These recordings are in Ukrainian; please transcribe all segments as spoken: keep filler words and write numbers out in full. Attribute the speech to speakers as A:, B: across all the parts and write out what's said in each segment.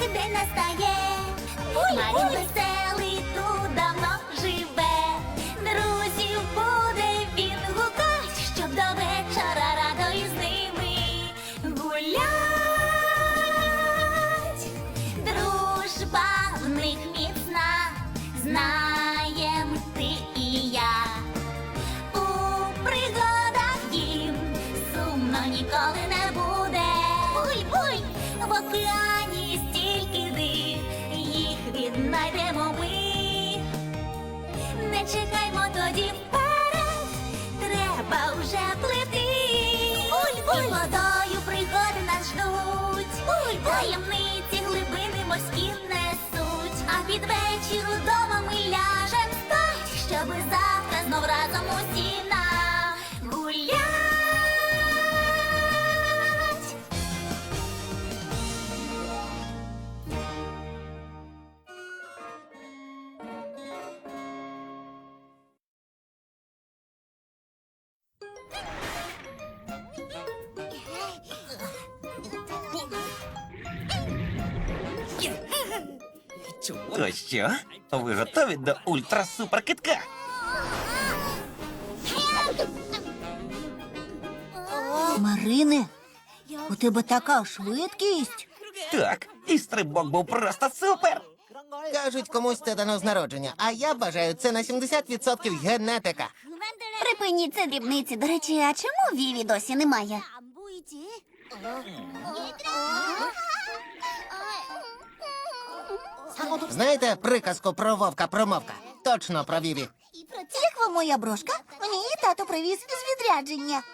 A: день настає. Марін веселий тут давно живе. Друзів буде він гукать, щоб до вечора радо із ними гулять. Дружба в них міцна, знаєм ти і я. У пригадах їм сумно ніколи не буде. Буй-буй! В океані стільки див, їх віднайдемо ми. Не чекаймо тоді вперед, треба вже плити. Буль-буль! І водою пригоди нас ждуть. Буль-буль! Таємниці глибини морські несуть. А під вечір удома ми ляжем спать, щоби завтра знов разом усі нагулять.
B: То що? Ви готові до ультра-супер-китка?
C: Марине, у тебе така швидкість.
B: Так, і стрибок був просто супер.
D: Кажуть, комусь це дано з народження, а я вважаю, це на сімдесят відсотків генетика.
C: Припиніть це дрібниці. До речі, а чому Віві досі немає?
D: Знаєте приказку про вовка-промовка? Точно про Віві.
C: Як вам моя брошка? Мені її тато привіз з відрядження.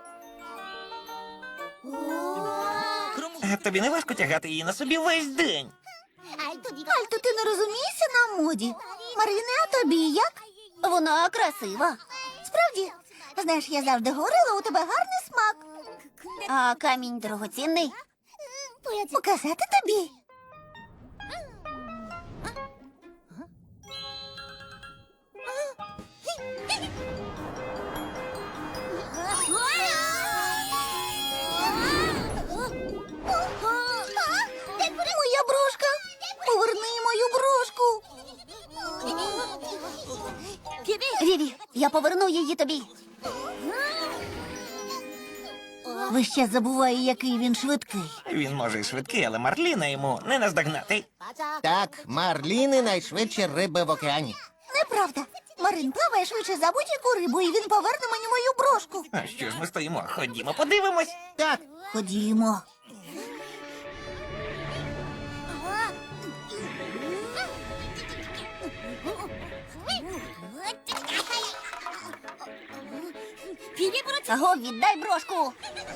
B: А тобі не важко тягати її на собі весь день?
C: Альто, ти не розумієшся на моді? Марине, а тобі як? Вона красива. Справді, знаєш, я завжди говорила, у тебе гарний смак. А камінь дорогоцінний. Показати тобі? Моя брошка! Поверни мою брошку! Віві, я поверну її тобі. Ви ще забуває, який він швидкий.
B: Він може й швидкий, але Марліна йому не наздогнати.
D: Так, марліни найшвидші риби в океані.
C: Неправда. Марин плаває швидше за будь-яку рибу, і він поверне мені мою брошку.
B: А що ж ми стоїмо? Ходімо, подивимось.
D: Так,
C: Ходімо. Аго, віддай брошку.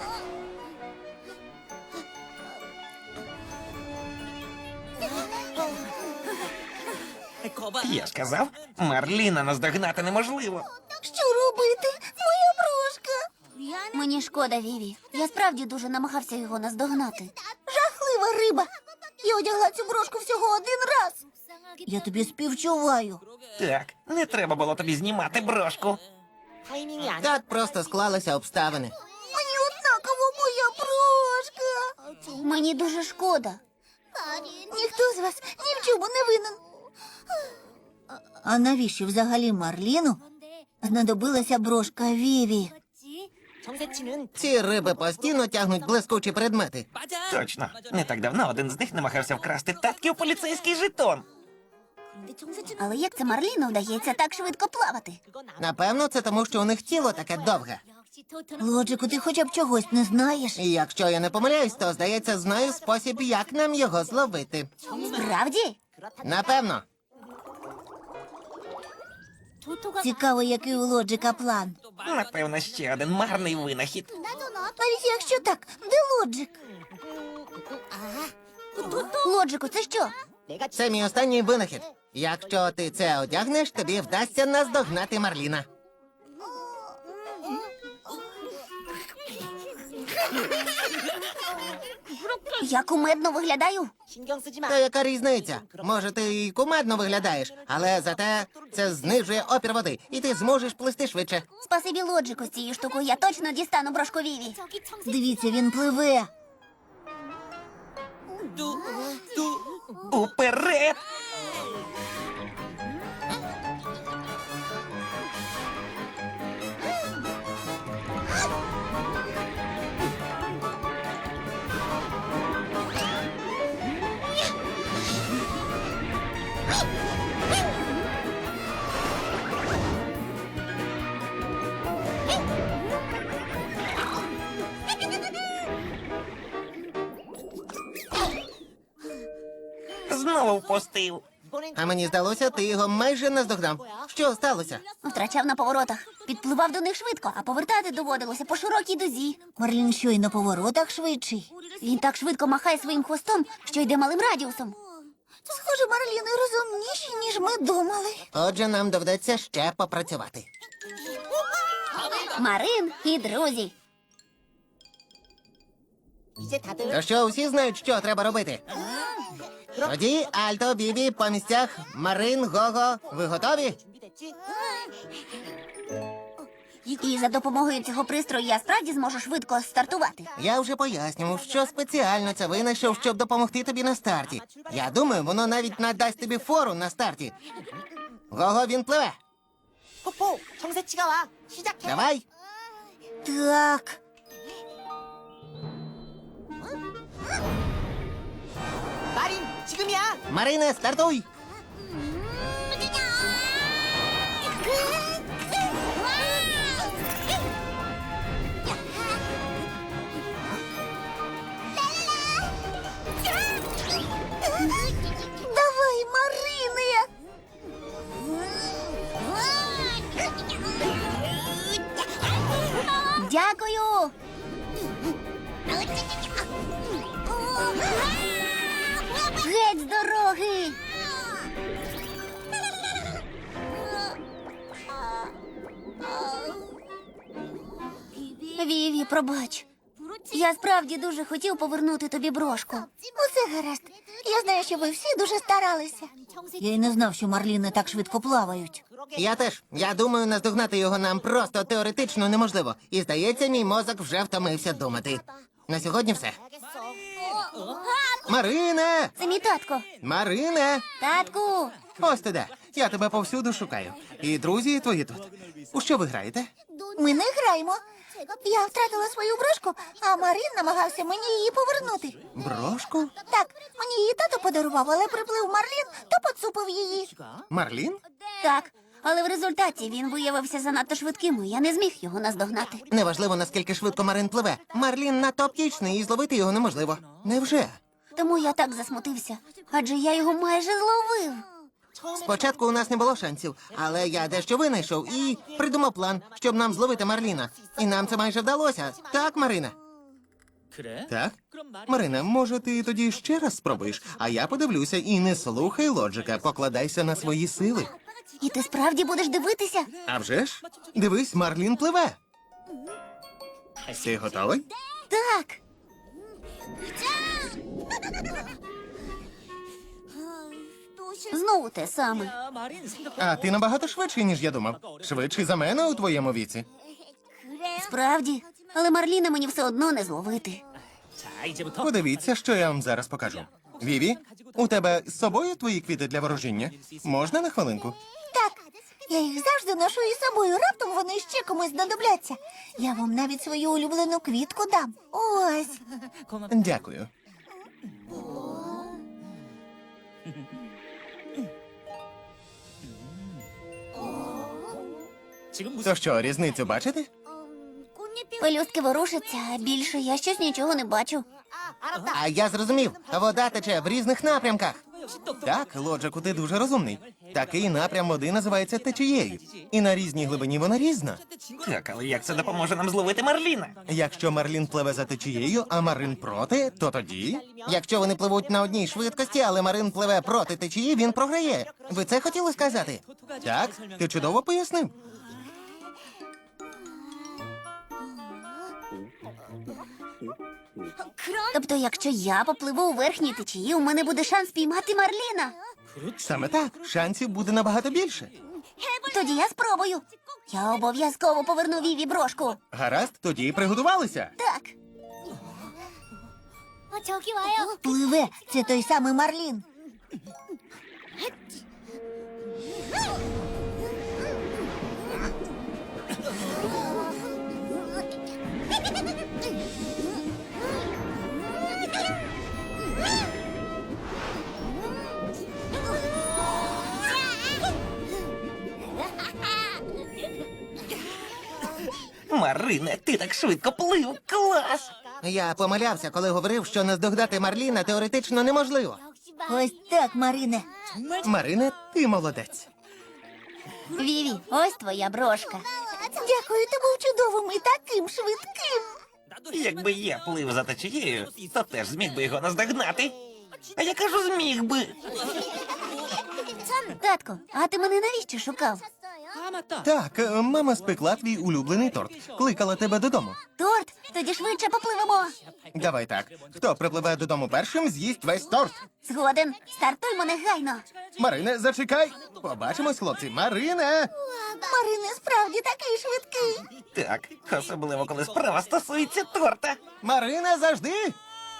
B: Я ж казав, Марліна наздогнати неможливо.
C: Що робити? Моя брошка. Мені шкода, Віві. Я справді дуже намагався його наздогнати. Жахлива риба. Я одягла цю брошку всього один раз. Я тобі співчуваю.
B: Так, не треба було тобі знімати брошку.
D: так просто склалися обставини.
C: Мені однаково моя брошка. Мені дуже шкода. Ніхто з вас ні в чому не винен. А навіщо взагалі Марліну знадобилася брошка Віві?
D: Ці риби постійно тягнуть блискучі предмети.
B: Точно. Не так давно один з них намагався вкрасти татків поліцейський жетон.
C: Але як це Марліну вдається так швидко плавати?
D: Напевно, це тому, що у них тіло таке довге.
C: Лоджику, ти хоча б чогось не знаєш?
D: І якщо я не помиляюсь, то, здається, знаю спосіб, як нам його зловити.
C: Справді?
D: Напевно.
C: Цікаво, який у Лоджика план.
B: Напевно, ще один марний винахід.
C: Навіть якщо так, де Лоджик? Лоджику, це що?
D: Це мій останній винахід. Якщо ти це одягнеш, тобі вдасться наздогнати Марліна.
C: Я кумедно виглядаю?
D: Та яка різниця? Може, ти і кумедно виглядаєш, але зате це знижує опір води, і ти зможеш плисти швидше.
C: Спасибі Лоджику з цією штукою. Я точно дістану брошку Віві. Дивіться, він пливе.
B: Уперед! Знову впустив.
D: А мені здалося, ти його майже наздогнав. Що сталося?
C: Втрачав на поворотах. Підпливав до них швидко, а повертати доводилося по широкій дузі. Марлін що й на поворотах швидший. Він так швидко махає своїм хвостом, що йде малим радіусом. Схоже, Марліни розумніші, ніж ми думали.
D: Отже, нам доведеться ще попрацювати.
C: Марин і друзі.
D: То що, усі знають, що треба робити? Тоді, Альто, Бібі, по місцях, Марин, Гого, ви готові?
C: І за допомогою цього пристрою я справді зможу швидко стартувати.
D: Я вже пояснював, що спеціально це винайшов, щоб допомогти тобі на старті. Я думаю, воно навіть надасть тобі фору на старті. Гого, він пливе.
E: 포포, 정세치가 와. 시작해.
D: Давай.
C: Так.
E: 마린, 지금이야.
D: Марине, стартуй.
C: Давай, Марине! Дякую! Геть з дороги! Віві, пробач. Я справді дуже хотів повернути тобі брошку. Усе гаразд. Я знаю, що ви всі дуже старалися. Я й не знав, що марліни так швидко плавають.
D: Я теж. Я думаю, наздогнати його нам просто теоретично неможливо. І здається, мій мозок вже втомився думати. На сьогодні все. Марине!
C: Це мій татко.
D: Марине!
C: Татку!
D: Ось ти де. Я тебе повсюду шукаю. І друзі твої тут. У що ви граєте?
C: Ми не граємо. Я втратила свою брошку, а Марин намагався мені її повернути.
D: Брошку?
C: Так, мені її тато подарував, але приплив Марлін, то поцупив її.
D: Марлін?
C: Так, але в результаті він виявився занадто швидким, і я не зміг його наздогнати.
D: Неважливо, наскільки швидко Марин пливе. Марлін надто птічний, і зловити його неможливо. Невже?
C: Тому я так засмутився, адже я його майже зловив.
D: Спочатку у нас не було шансів, але я дещо винайшов і придумав план, щоб нам зловити Марліна. І нам це майже вдалося. Так, Марина? Так? Марина, може, ти тоді ще раз спробуєш, а я подивлюся і не слухай лоджика, покладайся на свої сили.
C: І ти справді будеш дивитися?
D: А вже ж? Дивись, Марлін пливе. Ти готовий?
C: Так. Знову те саме.
D: А ти набагато швидший, ніж я думав. Швидший за мене у твоєму віці.
C: Справді, але Марліна мені все одно не зловити.
D: Подивіться, що я вам зараз покажу. Віві, у тебе з собою твої квіти для ворожіння? Можна на хвилинку?
C: Так, я їх завжди ношу із собою, раптом вони ще комусь знадобляться. Я вам навіть свою улюблену квітку дам. Ось.
D: Дякую. То що, різницю бачите?
C: Пелюстки ворушаться, а більше я щось нічого не бачу.
D: А я зрозумів, вода тече в різних напрямках. Так, Лоджику, ти дуже розумний. Такий напрям води називається течією. І на різній глибині вона різна.
B: Так, але як це допоможе нам зловити Марліна?
D: Якщо Марлін пливе за течією, а Марин проти, то тоді. Якщо вони пливуть на одній швидкості, але Марин пливе проти течії, він програє. Ви це хотіли сказати? Так, ти чудово пояснив.
C: Тобто, якщо я попливу у верхній течії, у мене буде шанс піймати Марліна.
D: Саме так, шансів буде набагато більше.
C: Тоді я спробую. Я обов'язково поверну Віві брошку.
D: Гаразд, тоді приготувалися.
C: Так. Пливе, це той самий Марлін.
B: Марине, ти так швидко плив. Клас!
D: Я помилявся, коли говорив, що наздогнати Марліна теоретично неможливо.
C: Ось так, Марине.
D: Марине, ти молодець.
C: Віві, ось твоя брошка. Дякую, ти був чудовим і таким швидким.
B: Якби я плив за течією, то теж зміг би його наздогнати. А я кажу, зміг би.
C: Татко, а ти мене навіщо шукав?
D: Так, е, мама спекла твій улюблений торт. Кликала тебе додому.
C: Торт? Тоді швидше попливемо.
D: Давай так. Хто припливе додому першим, з'їсть весь торт.
C: Згоден, стартуймо негайно.
D: Марине, зачекай. Побачимось, хлопці. Марине!
C: Марине справді такий швидкий.
B: Так, особливо коли справа стосується торта.
D: Марине, завжди!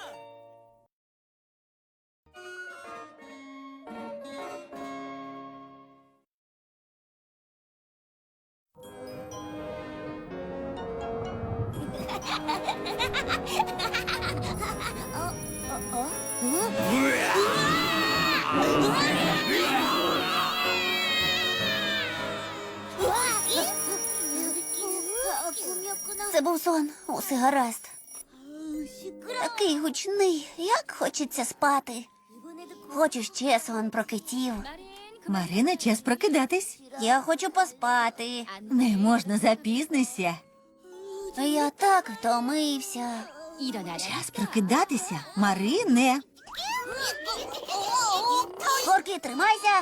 C: Це був сон, усе гаразд. Такий гучний, як хочеться спати. Хочу ще сон про китів.
F: Марина, час прокидатись.
C: Я хочу поспати.
F: Не можна, запізнися.
C: Я так втомився.
F: Час прокидатися, Марине.
C: Корки, тримайся.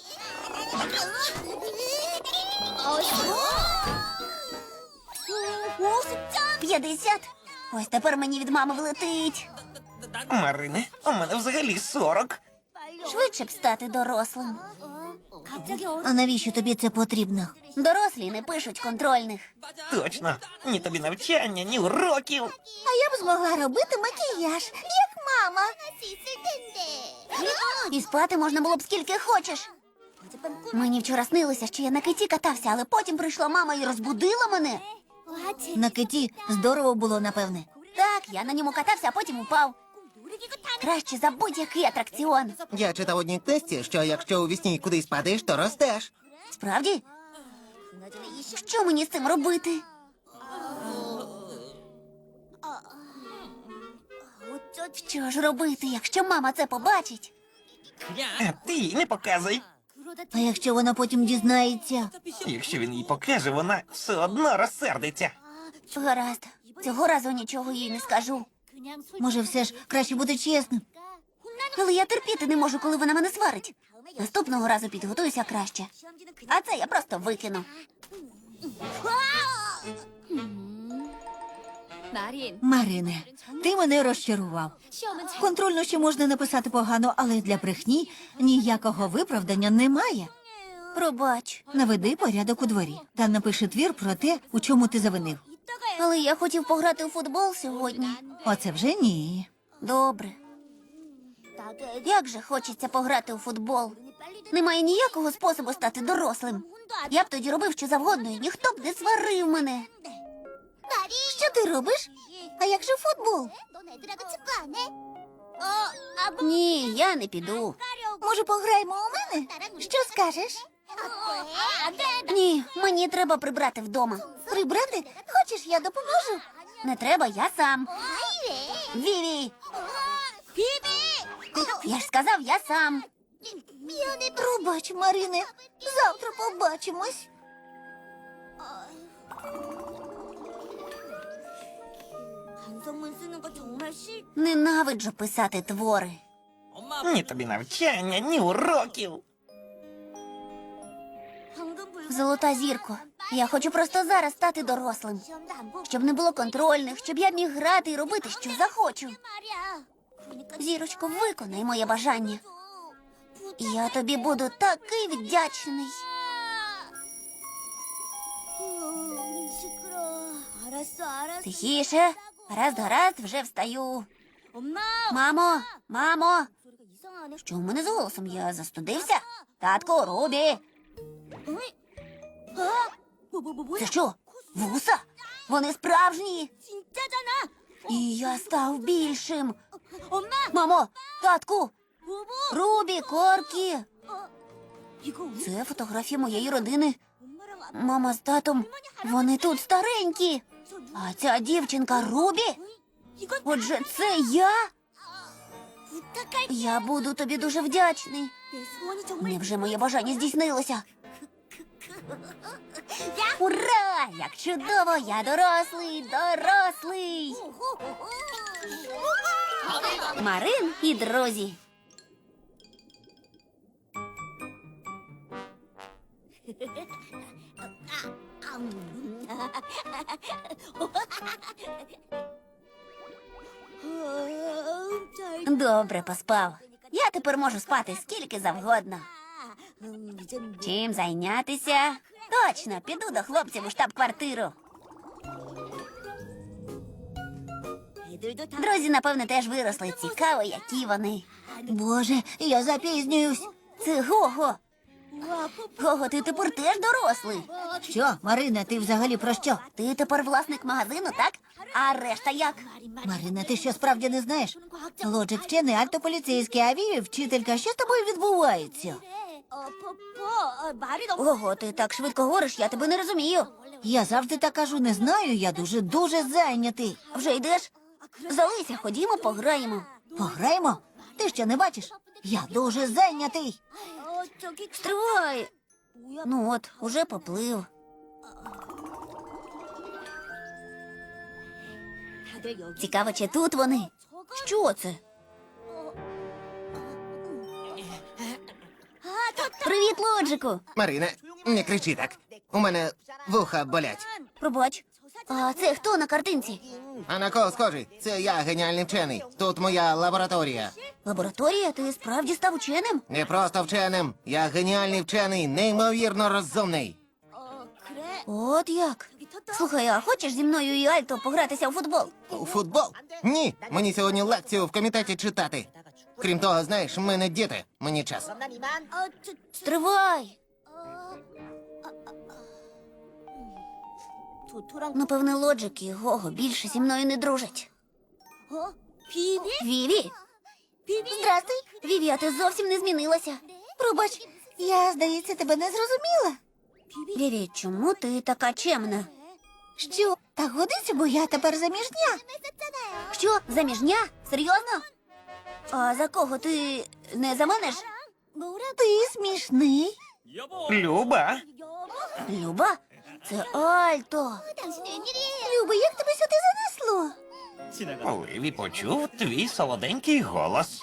C: П'ятдесят. Ось тепер мені від мами влетить.
B: Марине, у мене взагалі сорок.
C: Швидше б стати дорослим. А навіщо тобі це потрібно? Дорослі не пишуть контрольних.
B: Точно. Ні тобі навчання, ні уроків.
C: А я б змогла робити макіяж, як мама. І спати можна було б скільки хочеш. Мені вчора снилося, що я на киті катався, але потім прийшла мама і розбудила мене.
F: На киті здорово було, напевне.
C: Так, я на ньому катався, а потім упав. Краще за будь-який атракціон.
D: Я читав у одній книжці, що якщо у вісні кудись падаєш, то ростеш.
C: Справді? Що мені з цим робити? Що ж робити, якщо мама це побачить?
B: А ти їй не показуй.
C: А якщо вона потім дізнається?
B: Якщо він їй покаже, вона все одно розсердиться.
C: Гаразд, цього разу нічого їй не скажу.
F: Може, все ж краще бути чесним.
C: Але я терпіти не можу, коли вона мене сварить. Наступного разу підготуюся краще. А це я просто викину.
F: Марине, ти мене розчарував. Контрольно ще можна написати погано, але для брехні ніякого виправдання немає.
C: Пробач.
F: Наведи порядок у дворі та напиши твір про те, у чому ти завинив.
C: Але я хотів пограти у футбол сьогодні.
F: Оце вже ні.
C: Добре. Як же хочеться пограти у футбол. Немає ніякого способу стати дорослим. Я б тоді робив що завгодно, і ніхто б не сварив мене. Що ти робиш? А як же футбол? Ні, я не піду. Може, пограємо у мене? Що скажеш? Ні, мені треба прибрати вдома. Прибрати? Хочеш, я допоможу? Не треба, я сам. Віві! Я ж сказав, я сам. Пробач, Марине. Завтра побачимось. Ненавиджу писати твори.
B: Ні тобі навчання, ні уроків.
C: Золота зірко, я хочу просто зараз стати дорослим. Щоб не було контрольних, щоб я міг грати і робити, що захочу. Зірочко, виконай моє бажання. Я тобі буду такий вдячний. Тихіше. Гаразд, гаразд, вже встаю. Мамо, мамо. Що в мене з голосом? Я застудився? Татку, Рубі. Це що? Вуса? Вони справжні. І я став більшим. Мамо, татку, Рубі, Коркі. Це фотографія моєї родини. Мама з татом, вони тут старенькі. А ця дівчинка Рубі? Отже, це я? Я буду тобі дуже вдячний. Невже моє бажання здійснилося? Ура! Як чудово! Я дорослий, дорослий! Марин і друзі. Добре поспав. Я тепер можу спати скільки завгодно. Чим зайнятися? Точно, піду до хлопців у штаб-квартиру. Друзі, напевне, теж виросли. Цікаво, які вони. Боже, я запізнююсь. Це Гого. Гого, ти тепер теж дорослий.
F: Що, Марина, ти взагалі про що?
C: Ти тепер власник магазину, так? А решта як?
F: Марина, ти що справді не знаєш? Лоджик вчений, Альто поліцейський, а Віві вчителька. Що з тобою відбувається?
C: Ого, ти так швидко говориш, я тебе не розумію.
F: Я завжди так кажу, не знаю, я дуже-дуже зайнятий.
C: Вже йдеш? Залися, ходімо, пограємо.
F: Пограємо? Ти що не бачиш? Я дуже зайнятий.
C: Стривай. Ну от, уже поплив. Цікаво, чи тут вони? Що це? Привіт, Лоджику.
D: Марине, не кричи так. У мене вуха болять.
C: Пробач. А це хто на картинці?
D: А на кого схожий? Це я геніальний вчений. Тут моя лабораторія.
C: Лабораторія? Ти справді став ученим?
D: Не просто вченим. Я геніальний вчений, неймовірно розумний.
C: От як? Слухай, а хочеш зі мною і Альто погратися у футбол?
D: У футбол? Ні. Мені сьогодні лекцію в комітеті читати. Крім того, знаєш, ми не діти. Мені час.
E: 난 이만.
C: Стривай! Напевне, Лоджик і Гого більше зі мною не дружать. Віві? Здрастуй. Віві, а ти зовсім не змінилася.
F: Пробач, я, здається, тебе не зрозуміла.
C: Віві, чому ти така чемна?
F: Що? Так годиться, бо я тепер заміжня.
C: Що, заміжня? Серйозно? А за кого ти не за мене ж?
F: Ти смішний.
B: Люба,
C: Люба? Це Альто.
F: Люба, як тебе сюди занесло?
B: Оливі почув твій солоденький голос.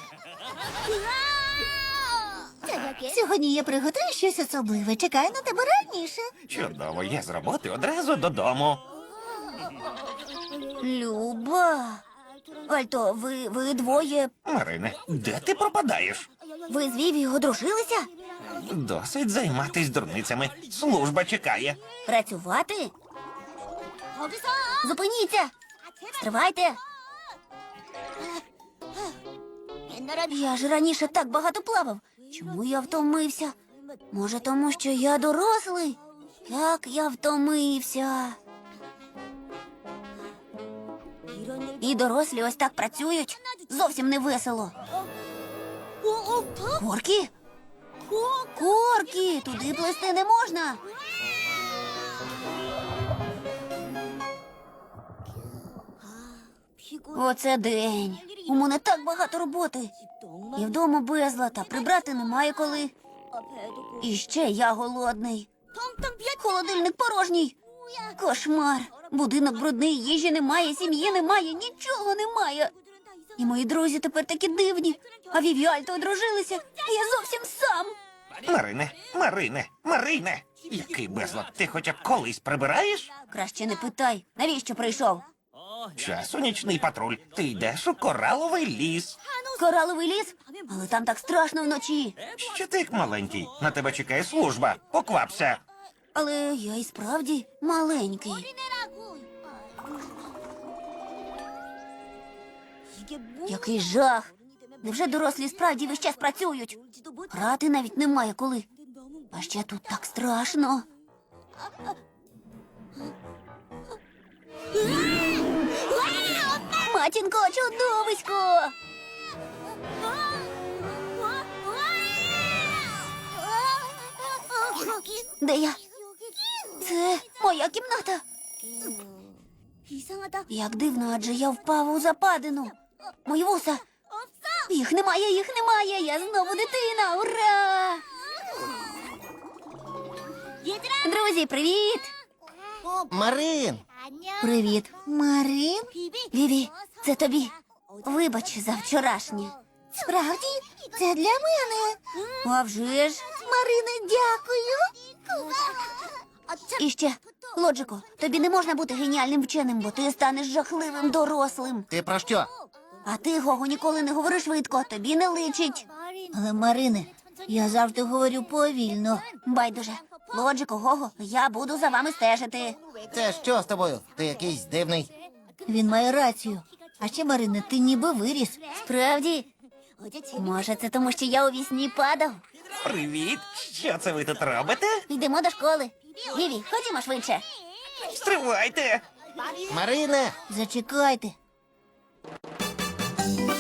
F: Сьогодні я приготую щось особливе. Чекаю на тебе раніше.
B: Чудово, я з роботи одразу додому.
C: Люба. Альто, ви, ви двоє.
B: Марине, де ти пропадаєш?
C: Ви з Віві одружилися?
B: Досить займатись дурницями. Служба чекає.
C: Працювати? Зупиніться! Стривайте! Я ж раніше так багато плавав. Чому я втомився? Може, тому що я дорослий? Як я втомився. І дорослі ось так працюють. Зовсім не весело. Коркі? Коркі, туди плисти не можна. Оце день. У мене так багато роботи. І вдома безлад, а прибрати немає коли. І ще я голодний. Холодильник порожній. Кошмар. Будинок брудний, їжі немає, сім'ї немає, нічого немає. І мої друзі тепер такі дивні. А Віві і Альто одружилися, а я зовсім сам.
B: Марине, Марине, Марине! Який безлад, ти хоча б колись прибираєш?
C: Краще не питай, навіщо прийшов?
B: Час у нічний патруль. Ти йдеш у кораловий ліс.
C: Кораловий ліс? Але там так страшно вночі.
B: Ще ти як маленький. На тебе чекає служба. Поквапся.
C: Але я і справді маленький. Який жах! Невже дорослі справді весь час працюють? Грати навіть немає коли. А ще тут так страшно. Матінко, чудовисько! Де я? Це моя кімната. Як дивно, адже я впав у западину. Мої вуса. Їх немає, їх немає. Я знову дитина. Ура! Друзі, привіт!
D: Марин!
C: Привіт. Марин? Віві, це тобі. Вибач за вчорашнє. Справді? Це для мене. А вже ж. Марине, дякую. І ще, Лоджико, тобі не можна бути геніальним вченим, бо ти станеш жахливим дорослим.
D: Ти про що?
C: А ти, Гого, ніколи не говори швидко, тобі не личить. Але, Марине, я завжди говорю повільно. Байдуже. Лоджико, Гого, я буду за вами стежити.
D: Це що з тобою? Ти якийсь дивний.
F: Він має рацію. А ще, Марине, ти ніби виріс.
C: Справді? Може, це тому, що я у вісні падав?
B: Привіт! Що це ви тут робите?
C: Йдемо до школи. Віві, ходімо швидше.
B: Стривайте!
D: Марине!
F: Зачекайте.